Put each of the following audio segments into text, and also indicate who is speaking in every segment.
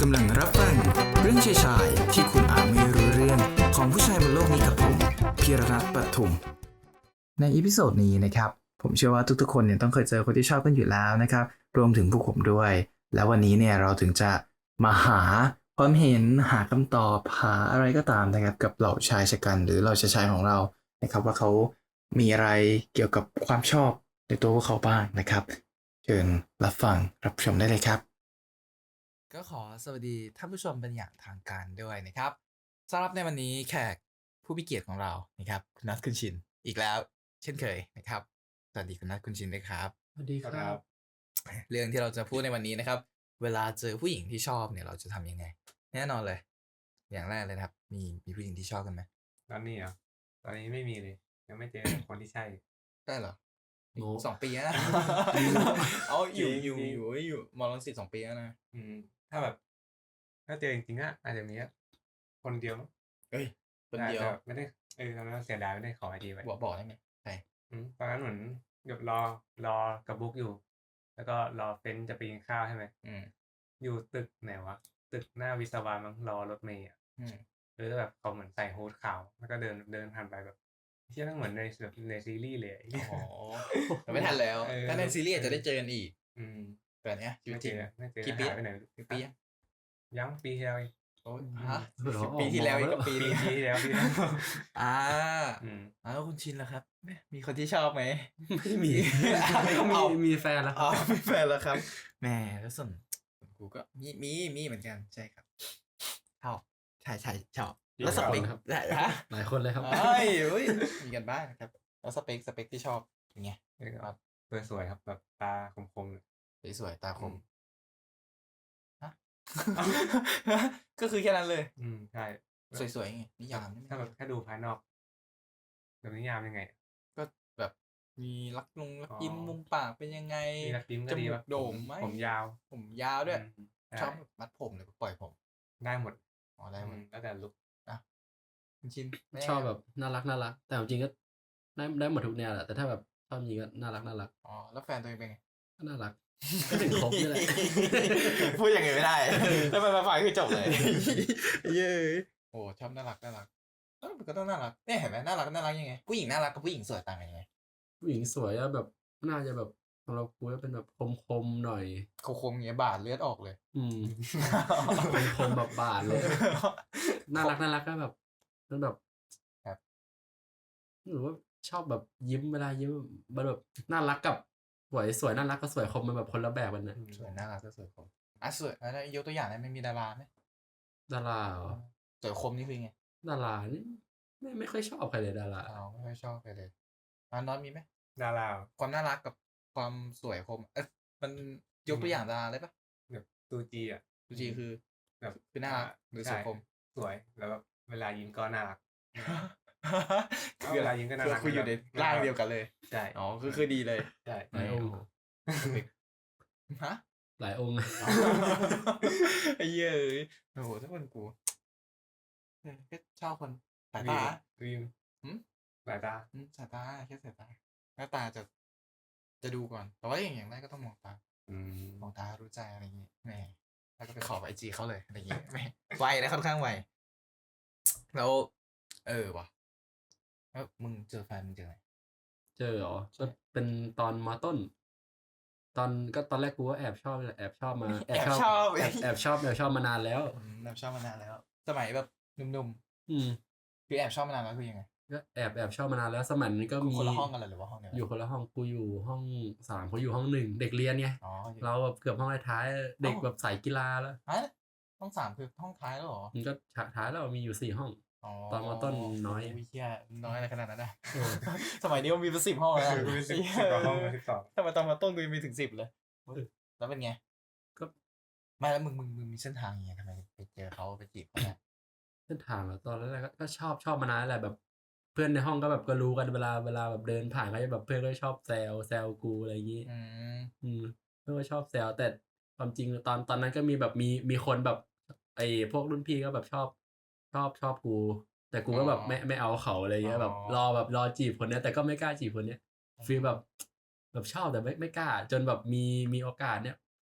Speaker 1: กำลังรับฟังเรื่องชายๆที่คุณอาจไม่รู้เรื่องของผู้ชายบนโลกนี้กับผมพีรรัตน์ปทุมในอีพิโซดนี้นะครับผมเชื่อว่าทุกๆคนเนี่ยต้องเคยเจอคนที่ชอบกันอยู่แล้วนะครับรวมถึงพวกผมด้วยแล้ววันนี้เนี่ยเราถึงจะมาหาความเห็นหาคำตอบหาอะไรก็ตามนะครับกับเหล่าชายชะกันหรือเหล่าชายของเรานะครับว่าเขามีอะไรเกี่ยวกับความชอบในตัวพวกเขาบ้างนะครับเชิญรับฟังรับชมได้เลยครับก็ขอสวัสดีท่านผู้ชมเป็นอย่างทางการด้วยนะครับสำหรับในวันนี้แขกผู้มีเกียรติของเรานะครับคุณนัทคุณชินอีกแล้วเช่นเคยนะครับสวัสดีคุณนัทคุณชินด้วยครับ
Speaker 2: สวัสดีครับ
Speaker 1: เรื่องที่เราจะพูดในวันนี้นะครับเวลาเจอผู้หญิงที่ชอบเนี่ยเราจะทำยังไงแน่นอนเลยอย่างแรกเลยนะครับมีผู้หญิงที่ชอบกันไหม
Speaker 2: ตอนนี้เหรอตอนนี้ไม่มีเลย ยังไม่เจอ คนที่ใช่
Speaker 1: ได้เหรอ
Speaker 2: โน้
Speaker 1: 2 ปีแล้วนะ เอาอยู่มอลังสิต2 ปีแล้วนะ
Speaker 2: ถ้าแบบ ถ้าเจอจริงๆก็อาจจะมีแค่คนเดียวมั้ง
Speaker 1: เอ้ยคนเดียว
Speaker 2: แต่ไม่ได้ตอนนั้นเสียดายไม่ได้ขอไอดีไว้
Speaker 1: บอกได้ไหมใช่
Speaker 2: ตอนนั้นเหมือนเดี๋ยวรอกับบุ๊กอยู่ แล้วก็รอเฟนจะไปกินข้าวใช่ไหม อยู่ตึกไหนวะ ตึกหน้าวิศวะมั้งรอรถเมล์อ่ะแล้วแบบเขาเหมือนใส่ฮู้ดขาวแล้วก็เดินผ่านไปแบบเชื่อทั้งเหมือนในซีรีส์เลย
Speaker 1: อ๋อแต่ไม่ทันแล้ว ถ้าในซีรีส์อาจจะได้เจอกันอีก
Speaker 2: อืม
Speaker 1: แต่เนี้ยชีวิต
Speaker 2: ไม่
Speaker 1: จ
Speaker 2: เจ
Speaker 1: ริง
Speaker 2: อไม่เจอ
Speaker 1: กี่ปี
Speaker 2: หายไปไหน
Speaker 1: กี่ปีอะ
Speaker 2: ยังปีที่แล้วเอง
Speaker 1: โอ้ยฮะ
Speaker 2: เหรอ
Speaker 1: ปีที่แล้วอีกกับปี
Speaker 2: ปี
Speaker 1: นี้
Speaker 2: ที่แล้ว
Speaker 1: อ่า
Speaker 2: อืม
Speaker 1: แล้วคุณชินล่ะครับมีคนที่ชอบไหม
Speaker 3: ไม่มี
Speaker 1: เอา
Speaker 3: มีแฟนแล้ว
Speaker 1: อ๋อมีแฟนแล้วครับแหมแล้วส่วนกูก็มีเหมือนกันใช่ครับชอบใช่ชอบแล้วสเปค
Speaker 3: ครับ
Speaker 1: ได้ฮะ
Speaker 3: หลายคนเลยครับ
Speaker 1: เฮ้ยมีกันบ้างนะครับแล้วสเปคที่ชอบเป็นไง
Speaker 2: ครับสวยๆครับแบบตาคมๆ
Speaker 1: สวยๆตาคมฮะ ก็คือแค่นั้นเลย
Speaker 2: ใช่
Speaker 1: สวยๆไงนิยาม
Speaker 2: ถ้าแบบแค่ดูภายนอกแบบนิยามยังไง
Speaker 1: ก็แบบมีรักยิ้มมุมปากเป็นยังไง
Speaker 2: มีรักยิ้ม
Speaker 1: จ
Speaker 2: ก็ดี
Speaker 1: มู
Speaker 2: แบ
Speaker 1: ก
Speaker 2: บ
Speaker 1: โด่งไหม
Speaker 2: ผมยาว
Speaker 1: ผมยาวด้วย
Speaker 2: ใช่
Speaker 1: ชอบแบบมัดผมหรือปล่อยผม
Speaker 2: ได้หมด
Speaker 1: อ๋อได้หมด
Speaker 2: แล้วแต่ลุก
Speaker 1: คุณชินไม่
Speaker 3: ชอบแบบน่ารักแต่จริงๆก็ได้หมดทุกแนวแหละแต่ถ้าแบบชอบจริงก็น่ารัก
Speaker 1: อ๋อแล้วแฟนตัวเองเป็นไง
Speaker 3: ก็น่ารักก็ถึงครบนี่แหละ
Speaker 1: พูดอย่างอื่นไม่ได้ถ้ามันมาฝ่ายคือจบเลยเย้โอ้ชอบน่ารักมันก็ต้องน่ารักเนี่ยเห็นไหมน่ารักยังไงผู้หญิงน่ารักกับผู้หญิงสวยต่างกันยังไง
Speaker 3: ผู้หญิงสวยแล้วแบบน่าจะแบบสำหรับกูก็เป็นแบบคมหน่อย
Speaker 1: คมๆอย่างเงี้ยบาดเลือดออกเลย
Speaker 3: คมแบบบาดเลย น่ารักก็แบบมันแบบ
Speaker 1: ครับ
Speaker 3: หรือว่าชอบแบบยิ้มเวลายิ้มมันแบบน่ารักกับสวยน่ารักกับสวยคมมันแบบคนละแบบกันนะ
Speaker 1: สวยน่ารักก็สวยคมสวยแล้วยกตัวอย่างได้ไหมมีดาราไหม
Speaker 3: ดาราเหรอ
Speaker 1: สวยคมนี่คือไง
Speaker 3: ดารานี่ไม่ค่อยชอบใครเลยดารา
Speaker 1: ไม่ค่อยชอบไปเลยน้อยมีไหม
Speaker 2: ดารา
Speaker 1: ความน่ารักกับความสวยคมมันยกตัวอย่างดาราได้ปะ
Speaker 2: แบบตูจีอ่ะ
Speaker 1: ดูจีคือ
Speaker 2: แบบ
Speaker 1: คือน่ารักหรือสวยคม
Speaker 2: สวยแล้วแบบเวลายิ้มก็น่ารัก เวลายิ้มก็น่ารัก
Speaker 1: คืออยู่ในร่างเดียวกันเลย
Speaker 2: ใช่
Speaker 1: อ๋อคือดีเลย
Speaker 2: ใช่
Speaker 3: หลายองค์
Speaker 1: ฮะ
Speaker 3: หลายองค์
Speaker 1: ไอ้เหี้ยโอ้โหถ้าคนกูก็ชอบคนสายตา
Speaker 2: วิม
Speaker 1: หืม
Speaker 2: สายตา
Speaker 1: สายตาแค่สายตาหน้าตาจะดูก่อนแต่ว่าอย่างแรกก็ต้องมองตามองตารู้ใจอะไรอย่างงี้แหมแล้วก็ไปขอIGเขาเลยอะไรอย่างงี้แหมไวนะค่อนข้างไวแล้วว่ะแล้วมึงเจอแฟนมึงเจอไหน
Speaker 3: เจอเหรอก็เป็นตอนมอต้น ตอนแรกกูก็แอบชอบเลยแอบชอบมาแอบชอบมานานแล้ว
Speaker 1: แอบชอบมานานแล้ว สมัยแบบหนุ่ม
Speaker 3: อืม
Speaker 1: ๆคือแอบชอบมานานแล้วคือยังไง
Speaker 3: ก็แอบชอบมานานแล้วสมัยนี้ก็มี
Speaker 1: คนละห้องกันเลยหรือว่าห้องเดียวกัน
Speaker 3: อยู่คนละห้องกูอยู่ห้อง3เขาอยู่ห้อง1เด็กเรียนไง
Speaker 1: อ๋อ
Speaker 3: เราแบบเกือบห้องท้ายๆเด็กแบบสายกีฬาแล้ว
Speaker 1: ฮะห้อง3คือห้องท้ายแล้วเหรอ
Speaker 3: มันก็ท้ายแล้วมีอยู่4ห้อง ตอนมต้นน้อย
Speaker 1: เหี้ยน้อยอะไรขนาดนั้นนะสมัยนี้มันมีเป็น10 ห้องแล้ว
Speaker 2: คือกูสิบกว่าห้องเลย12
Speaker 1: ทำไมตอนมาต้นกูยังมีถึง10เลยแล้วเป็นไง
Speaker 3: ก็
Speaker 1: ไม่แล้วมึงมีเส้นทางยังไงทำไมไปเจอเขาไปจีบเขาเนี่ย
Speaker 3: เส้นทางแล้วตอนแรกก็ชอบมานานแหละแบบเพื่อนในห้องก็แบบก็รู้กันเวลาแบบเดินผ่านก็จะแบบเพื่อนก็ชอบแซวกูอะไรอย่างงี้เพื่อนก็ชอบแซวแต่ความจริงตอนนั้นก็มีแบบมีคนแบบไอ้พวกรุ่นพี่ก็แบบชอบกูแต่กูก็แบบไม่เอาเขาอะไรเงี้ยแบบรอจีบคนเนี้ยแต่ก็ไม่กล้าจีบคนเนี้ยฟีลแบบชอบแต่ไม่กล้าจนแบบมีโอกาสเนี้ย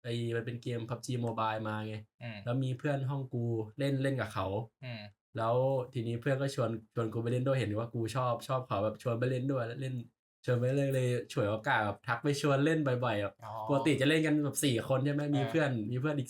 Speaker 3: มันเป็นเกม PUBG Mobile มาไง
Speaker 1: อืม
Speaker 3: แล้วมีเพื่อนห้องกูเล่นกับเขา
Speaker 1: อืม
Speaker 3: แล้วทีนี้เพื่อนก็ชวนกูไปเล่นด้วยเห็นว่ากูชอบเขาแบบชวนไปเล่นด้วยแล้วเล่นชวนไปเล่นเลยฉวยโอกาสแบบทักไปชวนเล่นบ่อยๆแบบ
Speaker 1: อ๋อ
Speaker 3: ปกติจะเล่นกันแบบ4 คนใช่ไหมมี
Speaker 1: เออ
Speaker 3: เพื่อนอีก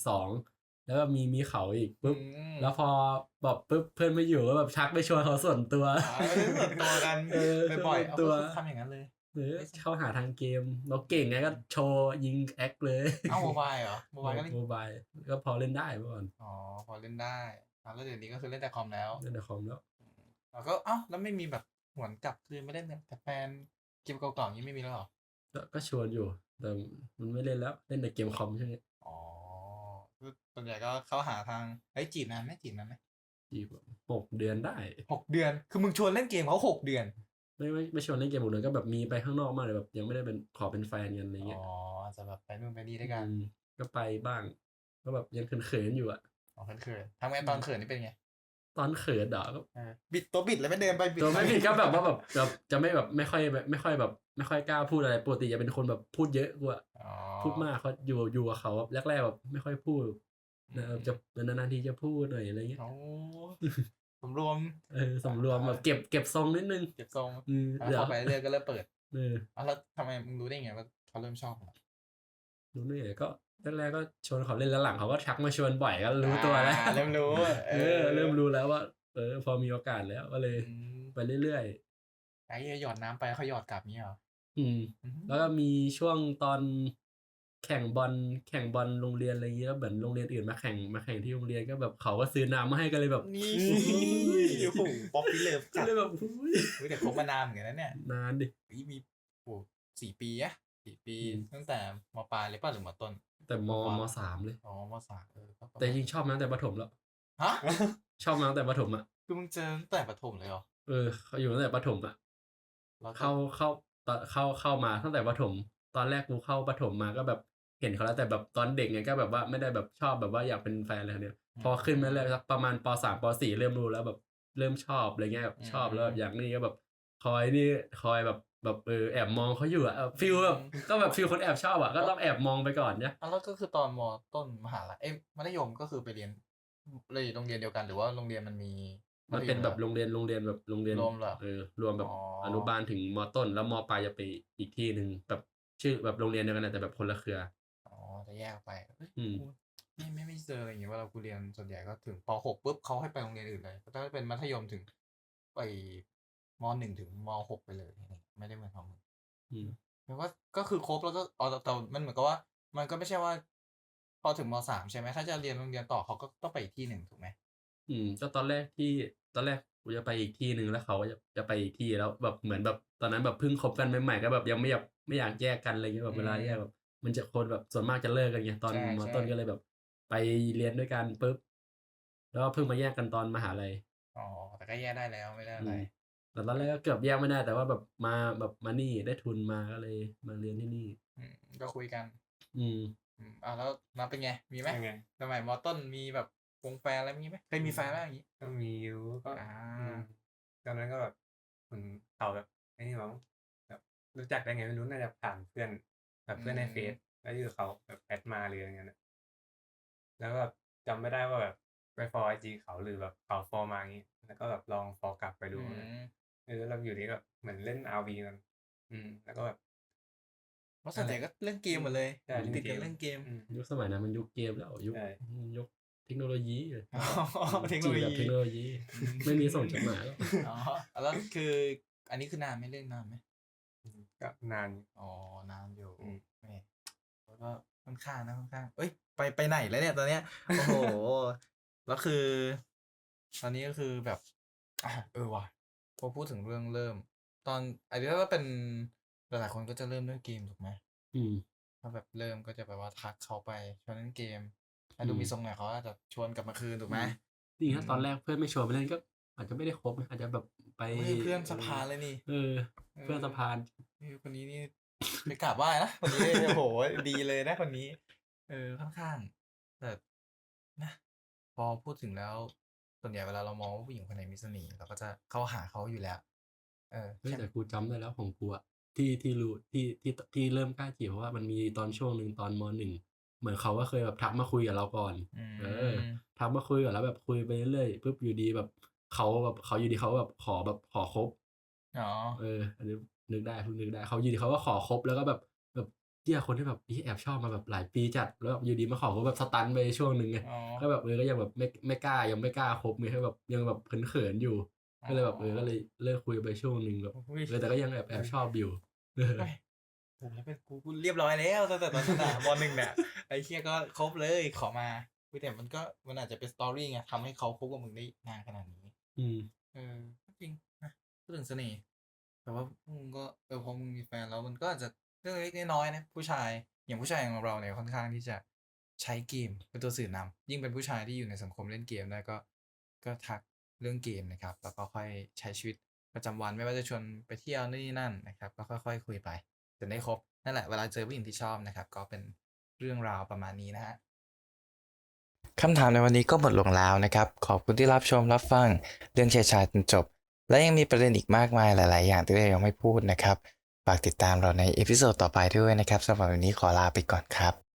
Speaker 3: 2แล้วก็มีเขาอีกปุ๊บ
Speaker 1: อืม
Speaker 3: แล้วพอแบบปุ๊บเพื่อนไม่อยู่ก็แบบทักไปชวนเขาส่วนตัว
Speaker 1: เล่นส่วนตัวกัน
Speaker 3: เออ
Speaker 1: บ่อยๆ
Speaker 3: ส่
Speaker 1: เอา
Speaker 3: วนตัว
Speaker 1: ก็ทำอย่างนั้นเลย
Speaker 3: เข้าหาทางเกมเราเก่งไงก็โชว์ยิงแอคเลย
Speaker 1: เอาโมบายเหรอโมบายก็เล่น
Speaker 3: โมบายก็พอเล่นได้เมื่อก่อน
Speaker 1: อ๋อพอเล่นได้แล้วเดี๋ยวนี้ก็คือเล่นแต่คอมแล้ว
Speaker 3: เล่นในคอมแล้ว
Speaker 1: แล้วก็แล้วไม่มีแบบหวนกลับคือไม่เล่นแต่แฟนเกมเก่าๆอย่างนี้ไม่มีแล้วเหรอ
Speaker 3: ก็ชวนอยู่แต่มันไม่เล่นแล้วเล่นในเกมคอมใช่ไหม
Speaker 1: อ๋อคือส่วนใหญ่ก็เข้าหาทางจีบนานไหม
Speaker 3: จีบ6 เดือนได้
Speaker 1: 6 เดือนคือมึงชวนเล่นเกมเขา6 เดือน
Speaker 3: ไม่ชวนเล่นเกมหมดเลยก็แบบมีไปข้างนอกมากเลยแบบยังไม่ได้เป็นขอเป็นแฟนกันอะไรเงี้ย
Speaker 1: อ๋ออาจจะแบบไปนู่นไปนี่ด้วยกัน
Speaker 3: ก็ไปบ้างก็แบบยังเขินๆอยู่อะ
Speaker 1: อ๋อเขินๆทำไงตอนเขินนี่เป็นไง
Speaker 3: ตอนเขินก็
Speaker 1: บิดตัวบิดแล้วไม่เดินไปบิด
Speaker 3: ตัวไม่ผิดก็แบบว่าแบบจะไม่แบบไม่ค่อยแบบไม่ค่อยกล้าพูดอะไรปกติจะเป็นคนแบบพูดเยอะกว่า
Speaker 1: อ๋อ
Speaker 3: พูดมากเขาอยู่กับเขาแบบแรกๆแบบไม่ค่อยพูดจะนานๆทีจะพูดหน่อยอะไรเงี้ย
Speaker 1: โอ้สำรวม
Speaker 3: สำรวมแบบเก็บทรงนิดนึง
Speaker 1: เก็บทรง
Speaker 3: เดี๋ยว
Speaker 1: เข้าไปเรื่อยๆก็เริ่มเปิด
Speaker 3: เออ
Speaker 1: แล้วทำไมมึงรู้ได้ไงว่าเขาเริ่มชอบมึง
Speaker 3: รู้นี่ก็แรกๆก็ชวนเขาเล่นแล้วหลังเขาก็ทักมาชวนบ่อยก็รู้ตัวแล้ว
Speaker 1: เริ่มรู้
Speaker 3: เริ่มรู้แล้วว่าพอมีโอกาสแล้วก็เลย
Speaker 1: อืม
Speaker 3: ไปเรื่อย
Speaker 1: ไอ้หยอดน้ำไปเขาหยอดกลับนี้เหรอ
Speaker 3: ๆแล้วก็มีช่วงตอนแข่งบอลโรงเรียนอะไรเงี้ยแล้วเหมือนโรงเรียนอื่นมาแข่งที่โรงเรียนก็แบบเขาก็ซื้อน้ำมาให้กันเลยแบบ
Speaker 1: นี่โอ้โหป๊อปปี้เลิฟ
Speaker 3: ก็
Speaker 1: จัด
Speaker 3: เลยแบบ
Speaker 1: แต่คบมานานเหมือนกันนะเนี่ย
Speaker 3: นานดิ
Speaker 1: มี4 ปีอะ4 ปี
Speaker 3: อืม
Speaker 1: ตั้งแต่มปลายเลยป่ะหรือมต้น
Speaker 3: แต่ม3เลย
Speaker 1: อ๋อมสามก็ประมาณ
Speaker 3: แต่จริงชอบมาตั้งแต่ประถมแล้ว
Speaker 1: ฮะ
Speaker 3: ชอบมาตั้งแต่ประถมอ่ะ
Speaker 1: คือมึงเจอตั้งแต่ประถมเลยเหรอ
Speaker 3: เขาอยู่ตั้งแต่ประถมอ่ะ
Speaker 1: แล้วก็
Speaker 3: เข้ามาตั้งแต่ประถม ตอนแรกกูเข้าประถมมาก็แบบเห็นเขาแล้วแต่แบบตอนเด็กไงก็แบบว่าไม่ได้แบบชอบแบบว่าอยากเป็นแฟนอะไรเนี่ยพอขึ้นมาเลยสักประมาณป.3 ป.4 เริ่มรู้แล้วแบบเริ่มชอบอะไรเงี้ยแบบชอบแล้วแบบอย่างนี้ก็แบบคอยแบบแอบมองเขาอยู่อะฟิลแบบก็แบบฟิลคนแอบชอบอะก็ต้องแอบมองไปก่อนเนี่ย
Speaker 1: แล้วก็คือตอนมต้นมหาลัยมัธยมก็คือไปเรียนเลยโรงเรียนเดียวกันหรือว่าโรงเรียนมันมี
Speaker 3: มันเป็นแบบโรงเรียนแบบโรงเรียน
Speaker 1: รวมเหรอ
Speaker 3: รวมแบบ
Speaker 1: อ๋อ
Speaker 3: อนุบาลถึงมต้นแล้วมปลายจะไปอีกที่หนึ่งแบบชื่อแบบโรงเรียนเดียวกันนะแต่แบบคนละเครือ
Speaker 1: อ๋อจะแยกออกไปเฮ้ย
Speaker 3: อืม
Speaker 1: กูไม่เจออะไรอย่างเงี้ยเวลากูเรียนส่วนใหญ่ก็ถึงป.6ปุ๊บเขาให้ไปโรงเรียนอื่นเลยถ้าเป็นมัธยมถึงไปม.1 ถึงม.6ไปเลยไม่ได้เหมือนของมึง
Speaker 3: อืม
Speaker 1: แปลว่าก็คือครบแล้วก็แต่มันเหมือนกับว่า มันก็ไม่ใช่ว่า พอถึงม.3ใช่ไหมถ้าจะเรียนโรงเรียนต่อเขาก็ต้องไปอีกที่หนึ่งถูกไหม
Speaker 3: ก็ตอนแรกกูจะไปอีกที่หนึ่งแล้วเขาจะไปอีกที่แล้วแบบเหมือนแบบตอนนั้นแบบเพิ่งคบกันใหม่ๆก็แบบยังไม่อยากแยกกันอะไรเงี้ยแบบเวลาแยกแบบมันจะคนแบบส่วนมากจะเลิกกันไงตอน
Speaker 1: ใช่
Speaker 3: ม
Speaker 1: ใช่
Speaker 3: ต้นก็เลยแบบไปเรียนด้วยกันปุ๊บแล้วก็เพิ่งมาแยกกันตอนมหาลัย
Speaker 1: อ๋อแต่ก็แยกได้แล้วไม่ได้อะไร
Speaker 3: แต่ตอนแรกก็เกือบแยกไม่ได้แต่ว่าแบบมานี่ได้ทุนมาก็เลยมาเรียนที่นี่
Speaker 1: ก็คุยกัน
Speaker 3: อืม
Speaker 1: แล้วนับเป็นไงมีไหม
Speaker 2: ยังไง
Speaker 1: สมัยมต้นมีแบบวงแฟนอะไรมีไหมเคยมีแฟนไหมอย่างนี้
Speaker 2: ก็มีอยู่ก็
Speaker 1: อ่า
Speaker 2: ตอนนั้นก็แบบเหมือนเขาแบบไอ้นี่มั้งแบบรู้จักได้ไงไม่รู้น่าจะผ่านเพื่อนแบบเพื่อนในเฟซแล้วอยู่เขาแบบแอดมาหรืออะไรเงี้ยนะแล้วก็แบบจำไม่ได้ว่าแบบไปฟอลไอจีเขาหรือแบบเขาฟอลมาอย่างงี้แล้วก็แบบลองฟอลกลับไปดูแล้วอยู่นี้ก็เหมือนเล่น RV กันแล้วก็แบบ
Speaker 1: เพราะส่วนใหญ่ก็เล่นเกมหมดเลย
Speaker 2: ใช่
Speaker 1: ติดกันเล่นเกม
Speaker 3: ยุคสมัยนั้นมันยุคเกมแล้วยุค
Speaker 2: ใช่
Speaker 3: ยุคเทคโนโลยีเลย
Speaker 1: เทคโนโล
Speaker 3: จีบแบบ
Speaker 1: ยี
Speaker 3: เทคโนโลยี ไม่มีส่งจดหมายแล้ว
Speaker 1: แล้วคืออันนี้คือนานไหมเล่นนานไหม
Speaker 2: ก็นานอยู่
Speaker 1: นานอยู่
Speaker 2: อืม
Speaker 1: แหม่แล้วก็ค่อนข้างเอ้ยไปไหนแล้วเนี่ยตอนเนี้ยโอ้โห แล้วคือ ตอนนี้ก็คือแบบว่ะพอพูดถึงเรื่องเริ่ม ตอนอันนี้ก็เป็นหลายๆคนก็จะเริ่มด้วยเกมถูกไหม
Speaker 3: อืม
Speaker 1: ถ้าแบบเริ่มก็จะแบบว่าทักเขาไปชวนเล่นเกมถ้าดูมีทรงหน่อยเขาอาจจะชวนกลับมาคืนถูกไหม
Speaker 3: จริงๆถ้าตอนแรกเพื่อนไม่ชวนไปเล่นก็อาจจะไม่ได้คบนะอาจจะแบบไป
Speaker 1: เพื่อนสะพานเลยนี่
Speaker 3: เพื่อนสะพาน
Speaker 1: คนนี้นี่ ไปกราบไหว้นะคนนี้ โอ้โหดีเลยนะคนนี้ ค่อนข้างแต่นะพอพูดถึงแล้วส่วนใหญ่เวลาเรามองว่าผู้หญิงคนไหนมีเสน่ห์เราก็จะเข้าหาเขาอยู่แล้ว
Speaker 3: เฮ้ยแต่กูจำได้แล้วของกูอะที่รู้ที่เริ่มกล้าจีบเพราะว่ามันมีตอนช่วงหนึ่งตอนม.1 เหมือนเขาก็เคยแบบทักมาคุยกับเราก่อน
Speaker 1: อื
Speaker 3: ทักมาคุยก่อนแล้วแบบคุยไปเรื่อยๆปุ๊บอยู่ดีแบบเขาอยู่ดีเขาแบบขอคบ
Speaker 1: อ๋อ
Speaker 3: อันนี้นึกได้เพิ่งนึกได้เขาอยู่ดีเขาก็ขอคบแล้วก็แบบเหี้ยคนที่แบบแอบชอบมาแบบหลายปีจัดแล้วแบบอยู่ดีมาขอคบแบบสตันไปช่วงหนึ่งไง
Speaker 1: อ๋อ
Speaker 3: ก็แบบก็ยังแบบไม่กล้ายังไม่กล้าคบไงก็แบบยังแบบเขินๆอยู่ก็เลยแบบก็เลยเลิกคุยไปช่วงหนึ่งแบบ
Speaker 1: อุ้ย
Speaker 3: แต่ก็ยังแอบชอบอยู่
Speaker 1: เฮ้ยผมแล้วเป็นกูเรียบร้อยแล้วตั้งแต่ตอนนั้นอะม .1 เนี่ยไอ้เหี้ยก็ครบเลยขอมาแต่มันอาจจะเป็นสตอรี่ไงทำให้เขาคบกับมึงได้นานขนาดนี้
Speaker 3: อืม
Speaker 1: ก็จริงนะพูดถึงเสน่ห์แต่ว่ามึงก็พอมึงมีแฟนแล้วมันก็อาจจะเรื่องเล็กน้อยๆนะผู้ชายอย่างผู้ชายของเราเนี่ยค่อนข้างที่จะใช้เกมเป็นตัวสื่อนำยิ่งเป็นผู้ชายที่อยู่ในสังคมเล่นเกมได้ก็ทักเรื่องเกมนะครับแล้วก็ค่อยใช้ชีวิตประจำวันไม่ว่าจะชวนไปเที่ยวนี่นั่นนะครับก็ค่อยๆคุยไปจนได้ครบนั่นแหละเวลาเจอผู้หญิงที่ชอบนะครับก็เป็นเรื่องราวประมาณนี้นะฮะ คำถามในวันนี้ก็หมดลงแล้วนะครับ ขอบคุณที่รับชมรับฟังเรื่องชายจนจบ และยังมีประเด็นอีกมากมายหลาย ๆ อย่างที่เรายังไม่พูดนะครับ ฝากติดตามเราในเอพิโซดต่อไปด้วยนะครับสำหรับวันนี้ขอลาไปก่อนครับ